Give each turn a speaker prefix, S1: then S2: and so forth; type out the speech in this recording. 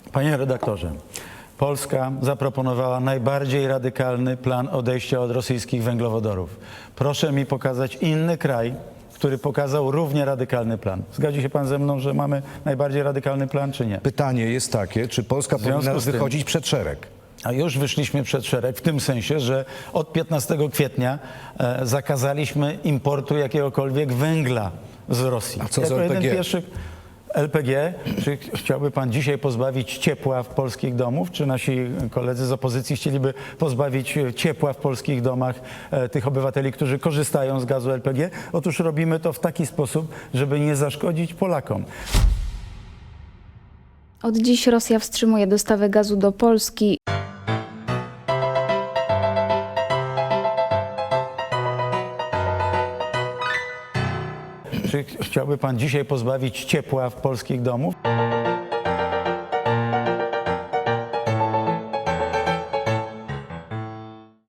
S1: Panie redaktorze, Polska zaproponowała najbardziej radykalny plan odejścia od rosyjskich węglowodorów. Proszę mi pokazać inny kraj, który pokazał równie radykalny plan. Zgadzi się pan ze mną, że mamy najbardziej radykalny plan, czy nie?
S2: Pytanie jest takie, czy Polska powinna wychodzić przed szereg?
S1: A już wyszliśmy przed szereg w tym sensie, że od 15 kwietnia zakazaliśmy importu jakiegokolwiek węgla z Rosji.
S2: A co z
S1: Jako
S2: LPG?
S1: jeden pierwszy LPG, czy chciałby pan dzisiaj pozbawić ciepła w polskich domów? Czy nasi koledzy z opozycji chcieliby pozbawić ciepła w polskich domach tych obywateli, którzy korzystają z gazu LPG? Otóż robimy to w taki sposób, żeby nie zaszkodzić Polakom.
S3: Od dziś Rosja wstrzymuje dostawę gazu do Polski.
S1: Czy chciałby pan dzisiaj pozbawić ciepła w polskich domów?